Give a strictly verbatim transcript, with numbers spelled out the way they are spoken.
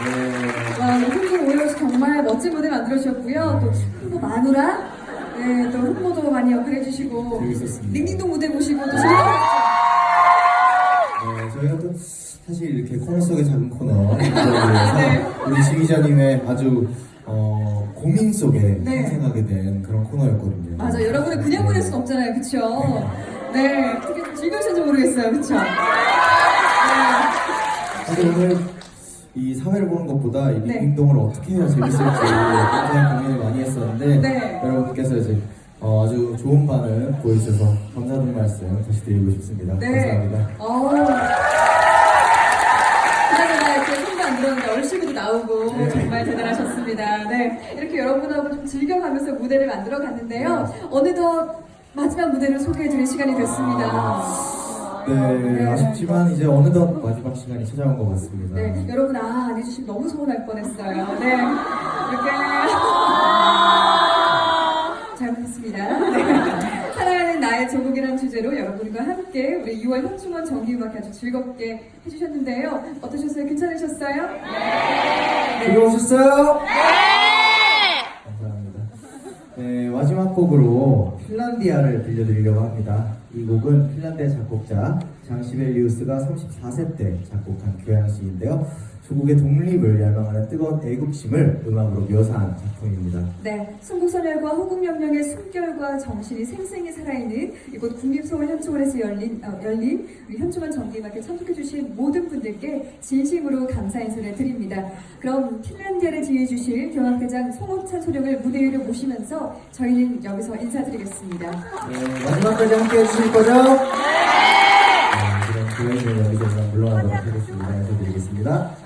네. 와, 홍보 오여씨 정말 멋진 무대 만들어주셨고요. 또 홍보 마누라, 네, 또 홍보도 많이 역할해 주시고, 재밌었습니다. 링딩동 무대 보시고 또 즐거웠죠. 네, 저희가 또 사실 이렇게 코너 속의 작은 코너 위해서 네. 우리 지휘자님의 아주 어, 고민 속에 네. 탄생하게 된 그런 코너였거든요. 맞아, 여러분을 그냥 보낼 순 없잖아요, 그쵸? 네, 어떻게 좀 즐거우신지 모르겠어요, 그쵸? 네. 사실 오늘 이 사회를 보는 것보다 이 네. 링딩동을 어떻게 해야 재밌을지 굉장히 고민을 많이 했었는데 네. 여러분께서 이제 어, 아주 좋은 반응 보여주셔서 감사하다는 말씀 다시 드리고 싶습니다. 네. 감사합니다. 어. 그나저나 이렇게 손도 안 들었는데 얼씨구도 나오고 네. 정말 대단하셨습니다. 네. 이렇게 여러분하고 좀 즐겨가면서 무대를 만들어 갔는데요. 어느덧 마지막 무대를 소개해드릴 시간이 됐습니다. 네, 네. 아쉽지만 이제 어느덧 마지막 시간이 찾아온 것 같습니다. 네, 여러분 아, 안 해주시면 너무 서운할 뻔했어요. 네. 이렇게. 잘못했습니다. 네. 사랑하는 나의 조국이라는 주제로 여러분과 함께 우리 유월 현충원 정기음악 아주 즐겁게 해주셨는데요. 어떠셨어요? 괜찮으셨어요? 네. 즐거우셨어요? 네! 감사합니다. 네, 마지막 곡으로 핀란디아를 들려드리려고 합니다. 이 곡은 핀란드의 작곡자 장시벨리우스가 삼십사 세 때 작곡한 교향시인데요. 조국의 독립을 열망하는 뜨거운 애국심을 음악으로 묘사한 작품입니다. 네, 순국선열과 호국명령의 숨결과 정신이 생생히 살아있는 이곳 국립소원 현충원에서 열린, 어, 열린 우리 현충원 정기음악에 참석해주신 모든 분들께 진심으로 감사 인사를 드립니다. 그럼 핀란디아를 지휘해주실 경악대장 송호찬 소령을 무대 위로 모시면서 저희는 여기서 인사드리겠습니다. 네, 마지막까지 함께 해주실 거죠? 네! 네, 그럼 교회는 여기서 그만 물러나도록 하겠습니다. 인사드리겠습니다.